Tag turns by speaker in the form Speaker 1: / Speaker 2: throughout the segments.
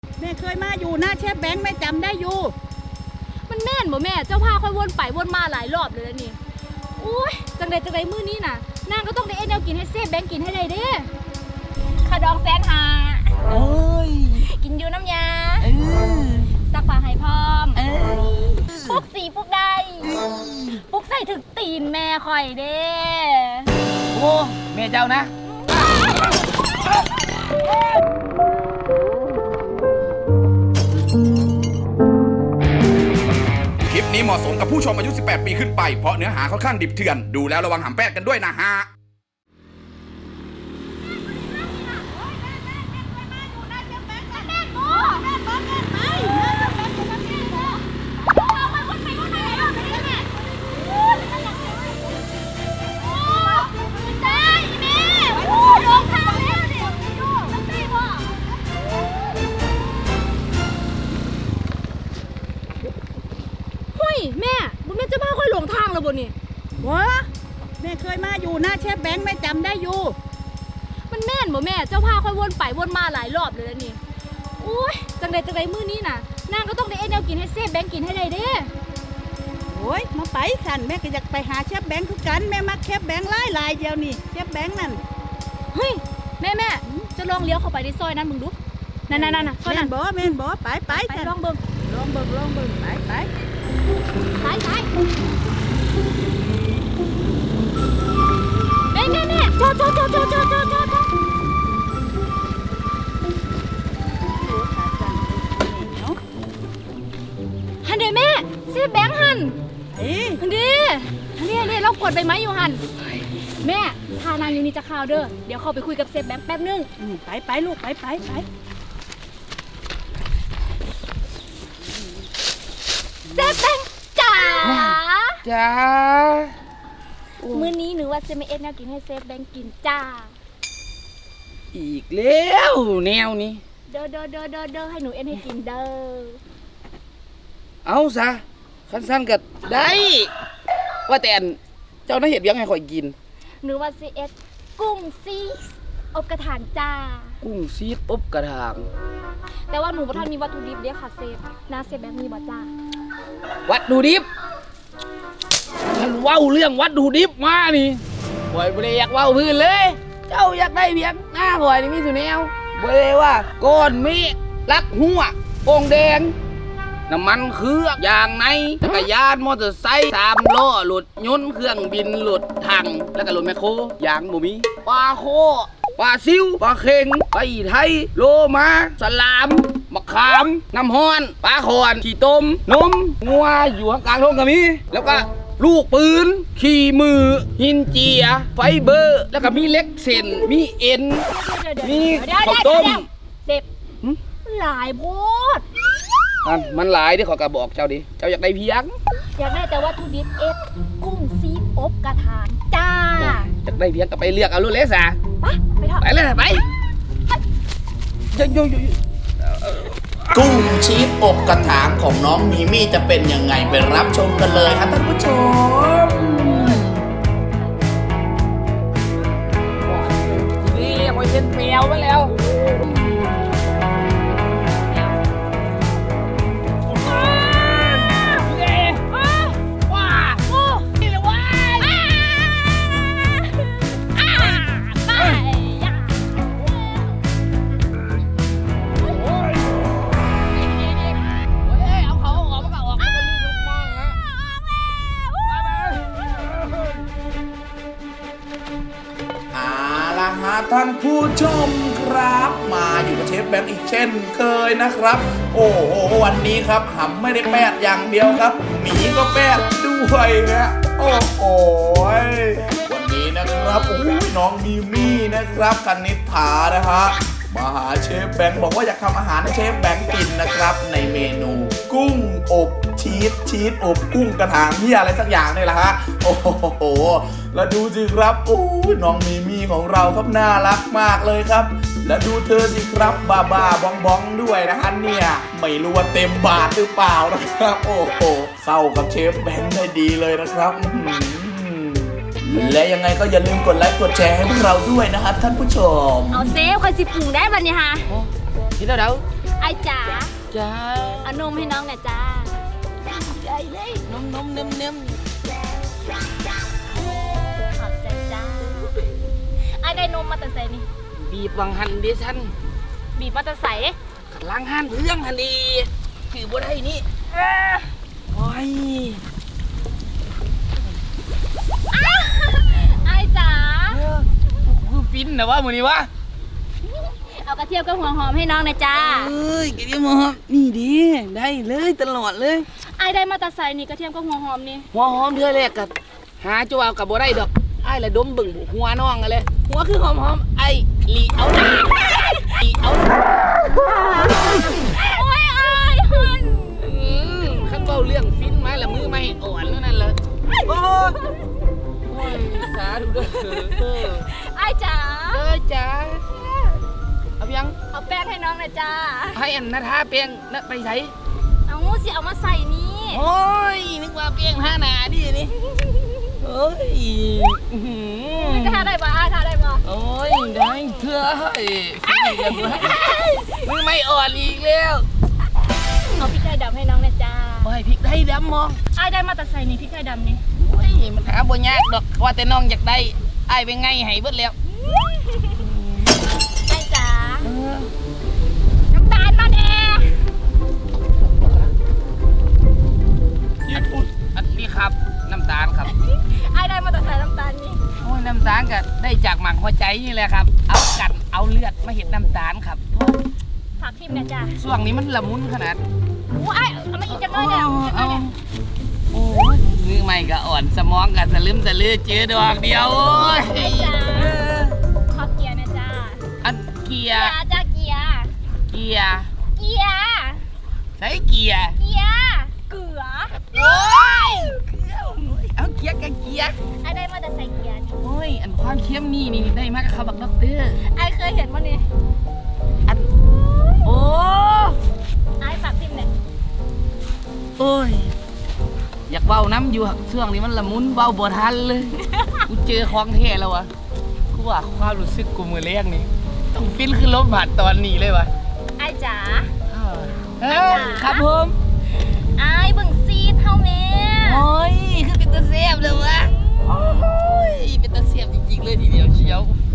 Speaker 1: แม่เคยมาอยู่หน้าเชฟแบงค์แม่จำได้อยู่
Speaker 2: มันแม่นบ่แม่เจ้าพาค่อยวนไปวนมาหลายรอบเลยแล้วนี่อุ้ยจังใดมื้อนี้น่ะนางก็ต้องได้เอ็นแนวกินให้เซฟแบงค์กินให้ได้เด้ขาดองแสนหา
Speaker 1: เอ้ย
Speaker 2: กินอยู่น้ำยาซักผ้าให้พร้อมปลุกสีปลุกได้ปลุกใส่ถึกตีนแม่ข่อยเด้
Speaker 1: โอ้แม่เจ้านะ
Speaker 3: คลิปนี้เหมาะสมกับผู้ชมอายุ 18 ปีขึ้นไป เพราะเนื้อหาค่อนข้างดิบเถื่อน ดูแล้วระวังหำแปดกันด้วยนะฮะ
Speaker 2: แม่บุญแม่จะพาค่อยหลงทางแล้วบ่นี่
Speaker 1: วะแม่เคยมาอยู่หน้าเชฟแบงค์แม่จำได้อยู่
Speaker 2: มันแม่นบ่แม่เจ้าพาค่อยวนไปวนมาหลายรอบเลยแล้วนี่อุ้ยจังใดมื้อนี้น่ะนางก็ต้องได้เอ็นแนวกินให้เซฟแบงค์กินให้ได้เด้
Speaker 1: โอ้ยมาไปสั่นแม่ก็อยากไปหาเชฟแบงค์ทุกกันแม่มักเชฟแบงค์หลายเดียวนี่เชฟแบงค์นั่น
Speaker 2: เฮ้ยแม่จะลองเลี้ยวเข้าไปในซอยนั้นมึงดูนั่นซอยนั้น
Speaker 1: แม่นบ่ไป
Speaker 2: ลองเบิ่ง
Speaker 1: ไป
Speaker 2: แม่จอดหันเด้แม่เซฟแบงค์หันหันเด้เรากดใบไม้อยู่หันแม่ทานางอยู่นี่จะข่าวเด้อเดี๋ยวเข้าไปคุยกับเซฟแบงค์แป๊บนึง
Speaker 1: ไปลูกไป
Speaker 2: เซฟแบงค์จ๋ามื้อนี้หนูว่าจะไม่เอ็ดแนวกินให้เซฟแบงค์กินจ้า
Speaker 4: อีกแล้วแนวนี้
Speaker 2: เด้อให้หนูเอ็ดให้กินเด้อ
Speaker 4: เอาซะคันสั้นก็ได้ว่าแต่เจ้าน่าเห็ดยังไงข่อยกิน
Speaker 2: หนูว่าจะเอ็ดกุ้งซีสอบกระถางจ้า
Speaker 4: กุ้งซีดอบกระถาง
Speaker 2: แต่ว่าหนูบ่ทันมีวัตถุดิบเด้ค่ะเซฟน้าเซฟแบงค์มีบ่จ้า
Speaker 4: วัตถุดิบฉันเว้าเรื่องวัตถุดิบมานี่ข่อยบ่ได้อยากเว้าพื้นเลยเจ้าอยากได้เพียงหน้าข่อยนี่มีสุแนวบ่ได้ว่าก้อนเมฆลักหัวโป่งแดงน้ำมันเครื่องยางในจักรยานมอเตอร์ไซค์3 ล้อรถยนต์เครื่องบินรถถังแล้วก็รถแมคโครยางบ่มีปลาโคปลาซิวปลาเค็งปลาอีไทยโลมาสลามมะขามน้ำฮ้อนปลาขอนขี้ต้มนมงัวอยู่ข้างกลางท้องก็มีแล้วก็ลูกปืนขี่มือหินเจียไฟเบอร์แล้วก็มีเล็กเส้นมีเอ็นมีข้าวต้ม
Speaker 2: เซฟหลายโพด
Speaker 4: มันหลายที่ขอกระบอกเจ้าดิเจ้าอยากได้เพียง
Speaker 2: อยากได้แต่วัตถุดิบเอ็ดกุ้งซีดอบกระถางจ้า
Speaker 4: อยากได้เพียงก็ไปเลือกเอาลูกเล็กสะ
Speaker 2: ไปเถอะ
Speaker 4: ไปเลยไป
Speaker 3: กุ้งชีสอบกระถางของน้องมีมี่จะเป็นยังไงไปรับชมกันเลยครับท่านผู้ชม
Speaker 4: นี่คอยเห็นแมวไว้แล้ว
Speaker 3: ท่านผู้ชมครับมาอยู่กับเชฟแบงค์อีกเช่นเคยนะครับโอ้โหวันนี้ครับหำไม่ได้แปดอย่างเดียวครับหมีก็แปดด้วยนะโอ้โหวันนี้นะครับโอ้ยน้องมีมี่นะครับคณิษฐานะฮะมาหาเชฟแบงค์บอกว่าอยากทำอาหารให้เชฟแบงค์กินนะครับในเมนูกุ้งอบชีสอบกุ้งกระถางที่อะไรสักอย่างนี่แหละฮะโอ้โหแล้วดูสิครับโอ้น้องมีมี่ของเราครับน่ารักมากเลยครับและดูเธอสิครับบ้าบ้องด้วยนะฮะเนี่ยไม่รู้ว่าเต็มบาทหรือเปล่านะครับโอ้โหเข้ากับเชฟแบงค์ได้ดีเลยนะครับและยังไงก็อย่าลืมกดไลค์กดแชร์ให้พวกเราด้วยนะครับท่านผู้ชม
Speaker 2: เอาเซฟคอยสิปรุงได้บัดนี้ฮะ
Speaker 4: คิดแล้วเด้อ
Speaker 2: ไอ้จ๋า
Speaker 4: จ้า
Speaker 2: เอานมให้น้องหน่อยจ้า
Speaker 4: ใหญ่เลยนมเนิ่ม
Speaker 2: ขอบใจจ้าไอ้ได้นมมาแต่ใส่นี่
Speaker 4: บีบวังหันเดชัน
Speaker 2: บีบมาแต่ใส่
Speaker 4: ล้างหันเรื่องหันดีถือบ่ได้นี่โอ้ย
Speaker 2: ไอ้จ๋า
Speaker 4: คือฟินนะว่ามือนี้วะ
Speaker 2: เอากระเทียมกับหัวหอมให้น้องหน่อยจ้า
Speaker 4: เอ้ยกินยังมั้งนี่ดีได้เลยตลอดเลย
Speaker 2: ไอ้ได้มาแต่ใส่นี่กระเทียมกับหัวหอมนี่
Speaker 4: หัวหอมเธอแรกกับหาจัวกับบ่ได้ดอกไอ้ละดมบึ่งหัวน้องกันเลยหัวคือหอมไอ้ลีเอาหน่อยลีเอา
Speaker 2: โอ้ยไอ้ฮัน
Speaker 4: ขั้นเบาเรื่องฟินมาละมือไม่อ่อนแล้วนั่นเลยโอ้ยสาดูเด้อ
Speaker 2: ไอ้จ๋า
Speaker 4: จ้าเอายัง
Speaker 2: เอาแป้งให้น้องหน่อยจ้า
Speaker 4: ให้อันนาทาเปียงนะไปใส่
Speaker 2: เอาสิเอามาใส่นี่
Speaker 4: โอ้ยนึกว่าเปียงท่าหนาดินี่เอ้ย
Speaker 2: ทาได้ปะทาได้ปะ
Speaker 4: โอ้ยได้เพื่อให้ฟินกันด้วยมือไม่อ่อนอีกแล้ว
Speaker 2: เอาพริกไทยดำให้น้องหน่อยจ้า
Speaker 4: โอ้ยพริกได้ดำมอง
Speaker 2: ไอ้ได้มาแต่ใส่นี่พริกไทยดำนี่
Speaker 4: โอ้ยมันหาบ่ยากดอกว่าแต่น้องอยากได้ไอ้เป็นไงให้เบิดแล้ว
Speaker 2: ไอ้จ๋าน้ำตาลมาแน่
Speaker 4: อันนี้ครับน้ำตาลครับ
Speaker 2: ไอ้ได้มาแต่ใส่น้ำตาลนี่
Speaker 4: โอ้ยน้ำตาลก็ได้จากหมักหัวใจนี่แหละครับ เอากันเอาเลือดมาเห็ดน้ำตาลครับ
Speaker 2: ฝากพิมพ์นะจ้า
Speaker 4: ช่วงนี้มันละมุนขนาด
Speaker 2: ไอ้เอามาอีกจังเลยเนี่ยจังเลยเนี่ย
Speaker 4: โอ้ยมือใหม่ก็อ่อนสมองก็สลืมสลือเจอดอกเดียวโอ้ย
Speaker 2: ไอ้จ๋าขอเกียร์นะจ้า
Speaker 4: อันเกีย
Speaker 2: เกีย
Speaker 4: ร์
Speaker 2: ร์จ้าเกียร์
Speaker 4: เกียร์
Speaker 2: เกียร์
Speaker 4: ใช้เกียร์
Speaker 2: เกียร์เกลือ
Speaker 4: โอ้ยเอาเกียร์กับเกียร์
Speaker 2: ไอ้ได้มาแต่ใส่เกียร์นี่
Speaker 4: โอ้ยอันความเข้มนี่ได้มากกับเขาบักด็อกเตอร์
Speaker 2: ไอ้เคยเห็นมั้ยนี่
Speaker 4: อันโอ้
Speaker 2: ไอ้ฝากพิมพ์หน่อย
Speaker 4: โอ้ยอยากเว้าน้ำอยู่ช่วงนี้มันละมุนเว้าบ่ทันเลย กูเจอของแท้แล้ววะกูว่าความรู้สึกกูมือแรกนี่ต้องฟินขึ้นรถบัสตอนนี้เลยวะ
Speaker 2: ไอ้จ๋า
Speaker 4: ครับผม
Speaker 2: ไอ้เบิ่งซีดเท่าแม่
Speaker 4: โอ้ยคือเป็นตาเสียบเลยวะโอ้ยเป็นตาเสียบจริงๆเลยทีเดียวเชียวโอ้โห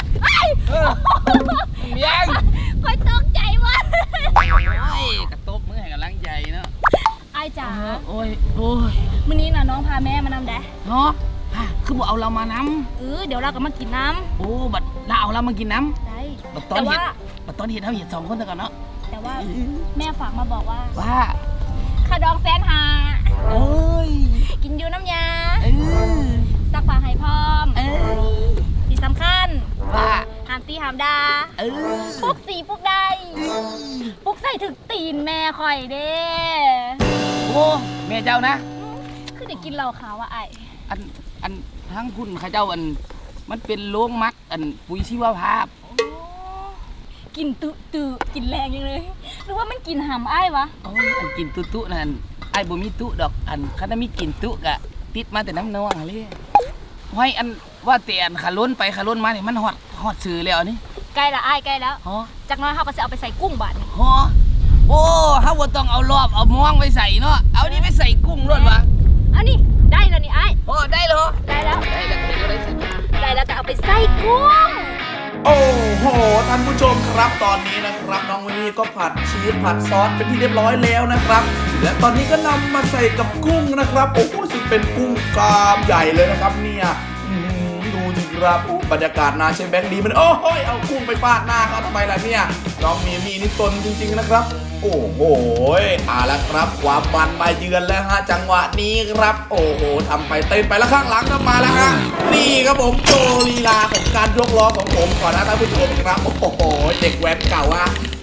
Speaker 4: ยัง
Speaker 2: คอยตกใจว่ะ
Speaker 4: โอ้ยกระตบมือให้กำลังใจเนาะ
Speaker 2: ไอ้จ๋า
Speaker 4: โอ้ยโอ้ย
Speaker 2: มื้อนี้น่ะน้องพาแม่มานำแดะ
Speaker 4: เนาะคือบอกเอาเรามาน
Speaker 2: เดี๋ยวเราก็มากินน้
Speaker 4: ำโอ้บัดเราเอาเรามากินน้
Speaker 2: ำได้
Speaker 4: ำบัดตอน
Speaker 2: แต่
Speaker 4: เห็
Speaker 2: ว่า
Speaker 4: ดบัดตอนเห็ดเขาเห็ด2 คนแต่ก่อนเนาะ
Speaker 2: แต่ว่าแม่ฝากมาบอกว่า
Speaker 4: ว่า
Speaker 2: ค่าดอง150,000
Speaker 4: เอ้ย
Speaker 2: กินอยู่น้ำยา
Speaker 4: เออ
Speaker 2: ซักผ้าให้พร้อม
Speaker 4: เอ้ย
Speaker 2: ที่สำคัญ
Speaker 4: ว่า
Speaker 2: ห้ามตีห้ามดา
Speaker 4: เออ
Speaker 2: ปลุกสีปลุกได้ปลุกใส่ถึกตีนแม่ข่อยเด้
Speaker 4: โอ้แม่เจ้านะ
Speaker 2: คือได้กินเหล้าขาวอ่ะไอ้
Speaker 4: อันทั้งคุณข้าเจ้ามันเป็นโรงมักปุ๋ยชีวภาพ
Speaker 2: กินตุกินแรงยังเลยหรือว่ามันกินหำไอ้วะ
Speaker 4: โอ้ยอันกินตุนั่นไอ้บ่มีตุดอกคันมีกินตุกะติดมาแต่น้ำนองเลยห้อยอันว่าแต่อันขาล้นไปขาล้นมาเนี่ยมันฮอดซื้อแล้วนี่
Speaker 2: ใกล้ละไอ้ใกล้แล้ว
Speaker 4: ฮอ
Speaker 2: จากน้อยเขาก็จะเอาไปใส่กุ้งบาดนี่
Speaker 4: ฮอโอ้เฮาบ่ต้องเอารอบเอาม่วงไปใส่เนาะเอานี่ไปใส่กุ้งรวดวะ
Speaker 2: เอานี่ได้แล้วนี่ไอ้
Speaker 4: ฮอได้เหรอ
Speaker 2: ได้แล้ว
Speaker 4: ได้แล้วเห็นอะไรใส่
Speaker 2: ได้แล้วก็เอาไปใส่กุ้ง
Speaker 3: โอ้โหท่านผู้ชมครับตอนนี้นะครับน้องวินนี่ก็ผัดชีสผัดซอสเป็นที่เรียบร้อยแล้วนะครับ และตอนนี้ก็นำมาใส่กับกุ้งนะครับโอ้โหซึ่งเป็นกุ้งกล้ามใหญ่เลยนะครับเนี่ยดูสิครับบรรยากาศน่าใช้แบงค์ดีมันโอ้โหเอากุ้งไปฟาดหน้าเขาทำไมล่ะเนี่ยน้องมีมี่นี่ตนจริงๆนะครับ โอ้โหเอาละครับความมันมาเยือนแล้วฮะจังหวะนี้ครับ โอ้โหทำไปเต้นไปแล้วข้างหลังก็มาแล้วฮะนี่ครับผมโชว์ลีลาของการยกล้อของผมก่อนนะท่านผู้ชมครับโอ้โหเด็กแว้นเก่าฮะ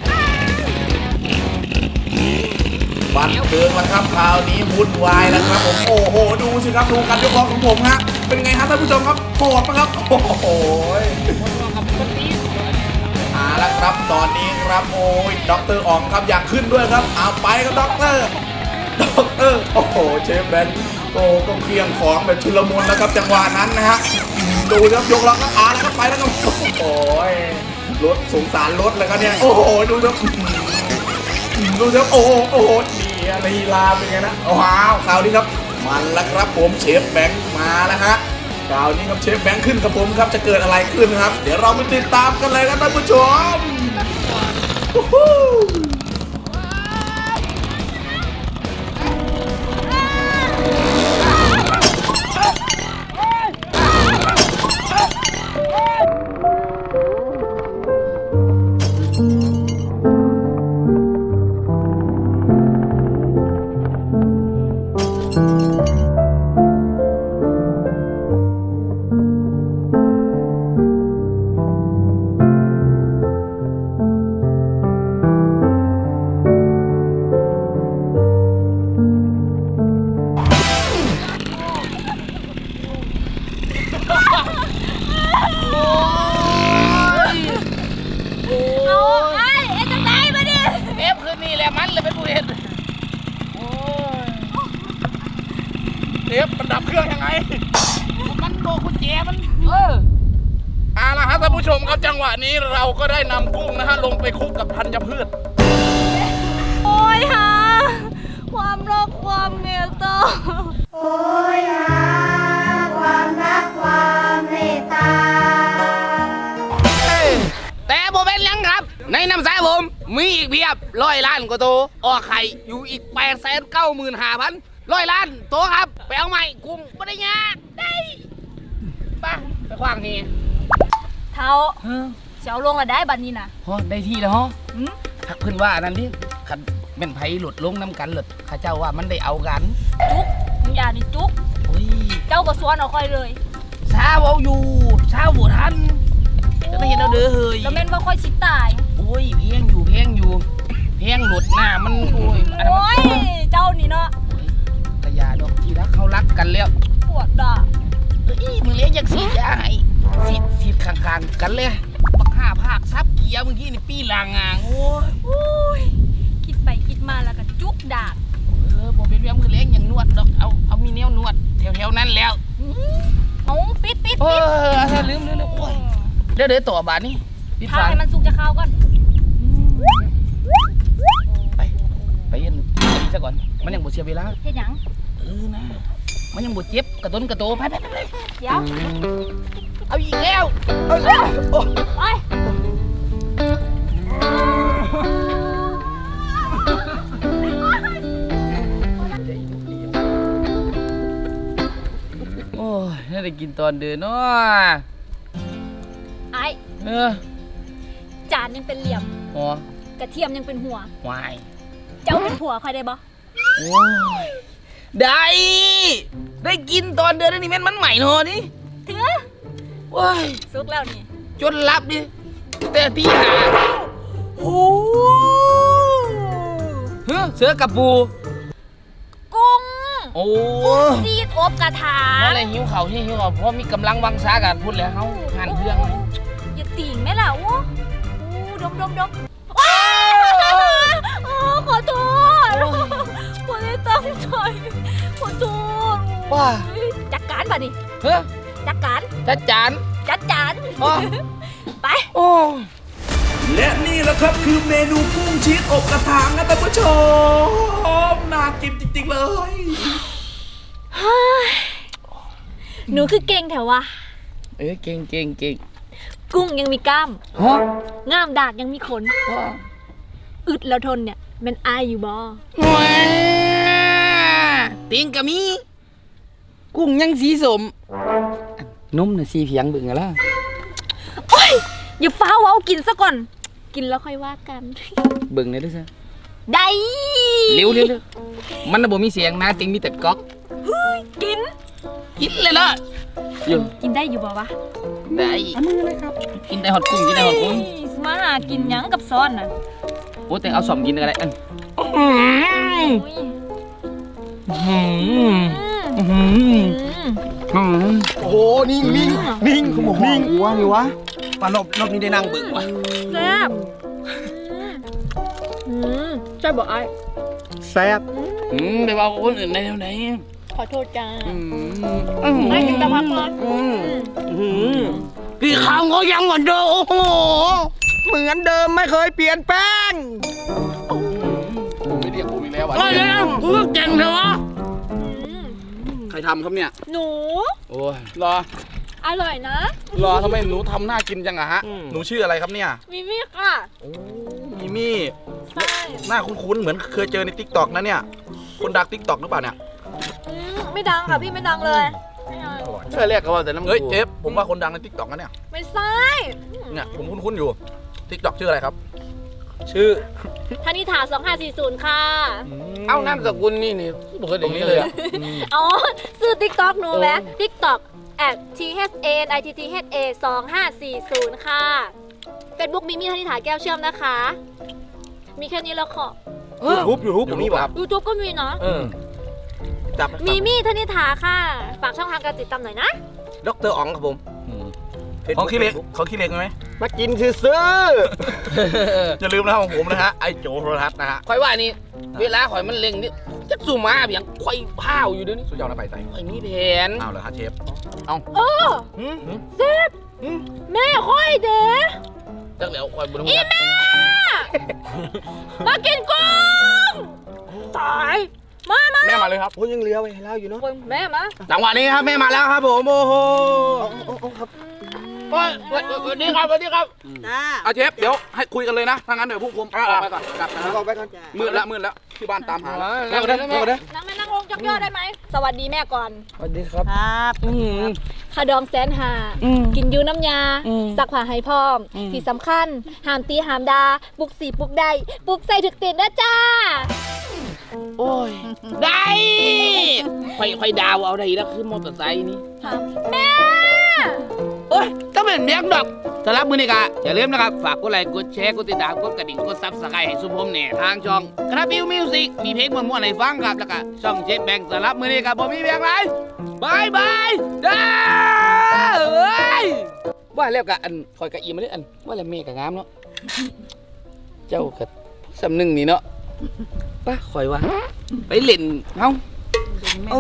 Speaker 3: บันเทิงแล้วครับคราวนี้วุ่นวายแล้วครับผมโอ้โหดูสิครับดูการยกล้อของผมฮะเป็นไงฮะท่านผู้ชมครับโหดปะครับโอ้โหเอาละครับตอนนี้ครับโอ้ยด็อกเตอร์อ๋องครับอยากขึ้นด้วยครับเอาไปครับด็อกเตอร์โอ้โหเชฟแบนโอ้ก็เคลียงของแบบชุลมุนแล้วครับจังหวะนั้นนะฮะดูครับยกล้อก็แล้วก็ไปแล้วก็โอ้โหรถสงสารรถเลยครับเนี่ยโอ้โหดูครับดูสิครับโอ้โหโอ้โหนี่ลีลาเป็นไงนะว้าวคราวนี้ครับมันแล้วครับผมเชฟแบงค์มาแล้วฮะคราวนี้ครับเชฟแบงค์ขึ้นกับผมครับจะเกิดอะไรขึ้นครับเดี๋ยวเราไปติดตามกันเลยครับท่านผู้ชมวู้ฮู้
Speaker 2: เอาไอ้เอ็นจังไดมาดิ
Speaker 4: เอฟคืนนี้แหละมันเลยเป็นผู้เห็นโอ้ย
Speaker 3: เชฟมันดับเครื่องยังไง
Speaker 4: มันโบกุญแจมัน
Speaker 3: เอาละฮะท่านผู้ชมครับจังหวะนี้เราก็ได้นำกุ้งนะฮะลงไปคลุกกับธัญพืช
Speaker 2: โอ้ยหาความรักความเมตตา
Speaker 5: โอ้ยหาความรักความเมตตา
Speaker 4: แต่ผมเป็นยังครับ ในน้ำสายผมมีอีกเพียบ100 ล้านกว่าตัวออกไข่อยู่อีก895,000 100 ล้านตัวครับไปเอาใหม่กุ้งไม่ได้ยากได้ไปขวางที
Speaker 2: เท้าเสียวลงละได้บัดนี้นะ
Speaker 4: ฮะได้ที่แล้วฮะ
Speaker 2: หืม
Speaker 4: ทักเพื่อนว่าอันนั้นดิขันเป็นไผหลุดลงน้ำกันหลุดข้าเจ้าว่ามันได้เอากัน
Speaker 2: จุกมึงอย่านี่จุก
Speaker 4: โอ้ย
Speaker 2: เจ้าก็สวนเอาค่อยเลย
Speaker 4: เช้าเอาอยู่เช้าบวทันจะได้เห็นเอาเด้อเฮ้ย
Speaker 2: แล้วแม่นว่าค่อยชิดตาย
Speaker 4: โอ้ยเพียงอยู่เพียงหลุดหน้ามันโอ้ยอันนั้น
Speaker 2: โอ้
Speaker 4: มัน
Speaker 2: ยเจ้านี่เนาะ
Speaker 4: กระยาดอกที่รักเขารักกันแล้ว
Speaker 2: ปวดด่า
Speaker 4: เอ้ยมึงเลี้ยงอยากสีดยาให้สีดข้างๆกันเลยบัก5 ภาคซับเกียร์เมื่อกี้นี่ปีลางงางโอ้ย
Speaker 2: โอ้ยคิดไปคิดมาแล้วก็จุกดาก
Speaker 4: บอกเป็นเรื่องมือเลี้ยงอย่างนวดดอกเอามีแนวนวดแถวๆนั้นแล้ว
Speaker 2: เอาปิด
Speaker 4: เออลืมโอ้ยเดี๋ยวต่อบาทนี่ปิด
Speaker 2: ทา
Speaker 4: ฝา
Speaker 2: ให้มันสุกจะเข้าวก่อน
Speaker 4: ไปเย็นซะก่อนมันยังบ่เสียเวลา
Speaker 2: เฮ็ดหยัง
Speaker 4: นะมันยังบ่เจ็บกระต้นกระโตไป
Speaker 2: เดี๋ยว
Speaker 4: เอาอีกแล้ว
Speaker 2: ไป
Speaker 4: โอ้ยน่าได้กินตอนเดินเนาะ
Speaker 2: ไอ้ จานยังเป็นเหลี่ยม
Speaker 4: หัว
Speaker 2: กระเทียมยังเป็นหัว
Speaker 4: วาย
Speaker 2: เจ้าเป็นผัวค่อยได้บ่
Speaker 4: โอ้ยได้กินตอนเดินนี่แม่นมันใหม่เนาะนี่
Speaker 2: ถือ
Speaker 4: ว้าย
Speaker 2: สุกแล้วนี่
Speaker 4: จนรับดิแต่ตีหา
Speaker 2: โอ้
Speaker 4: เสือกับปู
Speaker 2: กุ้ง
Speaker 4: โอ้
Speaker 2: ซีดอบกระถา
Speaker 4: อะไรหิวเขาที่หิวเขาเพราะมีกำลังวังช้ากันพูดแล้วเขาหันเครื่องเลย
Speaker 2: อย่าติ่งแม่ล่ะโอ้ดมโอ้ขอโทษผมไม่ตั้งใจขอโทษ
Speaker 4: ว้า
Speaker 2: จัดการป่ะนี่
Speaker 4: เฮ้ย
Speaker 2: จัดการ
Speaker 4: จัดจาน อ๋อ
Speaker 2: ไป
Speaker 4: โอ้
Speaker 3: และนี่แหละครับคือเมนูกุ้งชีสอบกระถางนะท่านผู้ชมน่ากินจริงๆเลย
Speaker 2: หนูคือเก่งแถววะ
Speaker 4: เก่ง
Speaker 2: กุ้งยังมีกล้าม
Speaker 4: ฮะ
Speaker 2: ง่ามดากยังมีขน อึดแล้วทนเนี่ยมันอายอยู่บ่
Speaker 4: ว้าติงกะมี กุ้งยังสีสมนุ่มน่ะสีเพียงบึงอะล่ะ
Speaker 2: โอ้ยอย่าฟ้าวเอากินซะก่อน กินแล้วค่อยว่ากัน
Speaker 4: บึงเลยด้วยซะ
Speaker 2: ได้
Speaker 4: เร็วมันน่ะบ่มีเสียงนะติงมีแต่ก๊อก
Speaker 2: กิน
Speaker 4: กินเลยล่ะอยู่
Speaker 2: กินได้อยู่บ่วะ
Speaker 4: ได้มือเลยครับกินได้หอดกุ้ง
Speaker 2: เฮ้ยมาหากินหยังกับซ้อนน่ะ
Speaker 4: โอ้แต่เอาสอมกินก็ได้อัน
Speaker 2: โอ้ย
Speaker 4: โอ้โหนิ่งคุณหมอนิ่งวะนี่วะปลารอบนี้ได้นั่งบึ้งวะ
Speaker 2: แซ่บใช่บ่ไอ้
Speaker 4: แซ่บไปบอกคนอื่นได้ไหน
Speaker 2: ขอโทษจ้า
Speaker 4: ไม่
Speaker 2: กินแต่ผักก่อน
Speaker 4: กี่ครั้งก็ยังเหมือนเดิมโอ้โหเหมือนเดิมไม่เคยเปลี่ยนแปลงแกงเหรอ
Speaker 3: ใครทำครับเนี่ย
Speaker 2: หนู
Speaker 3: โอ้ยรอ
Speaker 2: อร่อยนะ
Speaker 3: รอทำไมหนูทำน่ากินจังอะฮะ หนูชื่ออะไรครับเนี่ย
Speaker 2: มิมี่ค่ะ
Speaker 3: โอ้มิมี่
Speaker 2: ใช่
Speaker 3: หน้าคุ้นๆเหมือนเคยเจอในทิกตอกนะเนี่ย คนดังทิกตอกหรือเปล่าเนี่ย
Speaker 2: ไม่ดังค่ะพี่ไม่ดังเลยไม่เอา
Speaker 4: เชื่อเรียกกันว่าแต่น้ำ
Speaker 3: เฮ้ยเจฟผมว่าคนดังในทิกตอกนะเนี่ย
Speaker 2: ไม่ใช่
Speaker 3: เนี่ยผมคุ้นๆอยู่ทิกตอกชื่ออะไรครับ
Speaker 4: ชื่อ
Speaker 2: ธนิธา2540 ค่ะ
Speaker 4: เอ้านามสกุลนี่บอกกัน
Speaker 3: ตรงนี้เลยอะ
Speaker 2: อ๋อซื้อ TikTok หนูไหม TikTok @THANITTHA 2540 ค่ะ Facebook มิมี่ธนิธาแก้วเชื่อมนะคะ มีแค่นี้แล้วขอ
Speaker 3: ยูทูบผมมีแบบ
Speaker 2: YouTube ก็มีเนาะ
Speaker 3: จับ
Speaker 2: มิมี่ธนิธาค่ะ ฝากช่องทางการติดตามหน่อยนะ
Speaker 4: ดรอ๋องครับผม
Speaker 3: เขาขี้เล็กเขาขี้เล็กไหม
Speaker 4: มากินซื้อ
Speaker 3: อย่าลืมนะครับของผมนะฮะไอโจโทรทัศน์นะฮะ
Speaker 4: ข่อยว่านี่เวลาข่อยมันเล็งนี่จะสู่มาเพียงข่อยพ้าวอยู่เดี๋ยวนี้
Speaker 3: สุดยอดนะไปใส่
Speaker 4: ข่อยมีแผน
Speaker 3: เอาเลยฮะเชฟ
Speaker 2: เออเซฟแม่ค่อยเด้
Speaker 4: จักแล้วข่อยบุญ
Speaker 2: อีแม่มากินกุ้งตายมา
Speaker 3: แม่มาเลยครับ
Speaker 4: โอ้ยังเหลือไว้ให้เราอยู่เนาะ
Speaker 2: แม่มา
Speaker 4: จังหวะนี้ครับแม่มาแล้วครับผมโอ้โหครับสวัสดีครับสวัสดีครับ
Speaker 1: จ้า
Speaker 3: เอาเชฟเดี๋ยวให้คุยกันเลยนะถ้างั้นเดี๋ยวพวกผมออกไปก่อนกลับนะ
Speaker 4: เอาไปก่อน
Speaker 3: มืดแล้วที่บ้านตามหา
Speaker 4: แล้วก็ได้แล้วก็ได้
Speaker 2: นั่งลงจักย่อได้ไหมสวัสดีแม่ก่อน
Speaker 4: สวัสดีครับ
Speaker 1: ครับ
Speaker 2: ขาดองแสนหากินยูน้ำยาสักผ้าให้พร้อม ที่สำคัญห้ามตีห้ามดาปลุกสีปลุกได้ปลุกใส่ถึกติดนะจ้า
Speaker 4: โอ้ยได้ค่อยดาวเอาได้แล้วคือมอเตอร์ไซค์นี่
Speaker 2: แม่
Speaker 4: โอ้ยต้องเป็นเมียงดอกสำหรับมือนี้ก็อย่าลืมนะครับฝากกดไลค์กดแชร์กดติดตามกดกระดิ่งกดซับสไครต์ให้สุภมเนี่ยทางช่องคณะบิวมิวสิกมีเพลงม่วนๆให้ฟังครับแล้วก็ช่องเจ็ดแบงค์สำหรับมือนี้ก็บ่มีเพียงไรบายบายเด้อเอ้ยว่าแล้วก็อันคอยกะอีมาเลยอันว่าแล้วเมฆก็งามเนาะเจ้าก็สำนึงนี่เนาะป้าคอยว่าไปเล่นเฮาเอา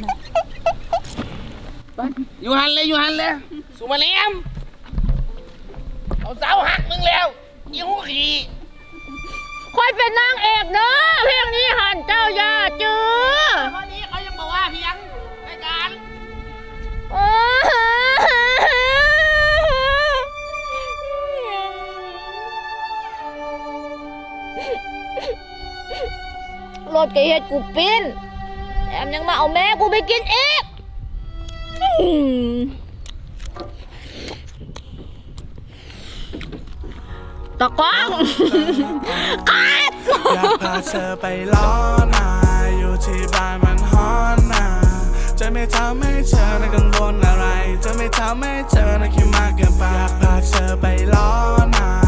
Speaker 4: ไปอยู่หันเลยสุมาเลียมเอาเสาหักมึงแล้วยี่หูขี่
Speaker 2: ค่อยเป็นนางเอกเนาะเพลงนี้หันเจ้าย่าจื้อ
Speaker 4: วันนี้เขายังบอกว่าเพียงรายการ
Speaker 2: รถกระเฮ็ดกูปิ้นแถมยังมาเอาแม่กูไปกินอีกตะก้องกัด
Speaker 6: อยากพาเธอไปล้อนาอยู่ที่บ้านมันฮอนนาจะไม่ทำให้เธอน่ะกังวลอะไร จะไม่ทำให้เธอน่ะคิดมากเกินไปอยากพาเธอไปล้อนา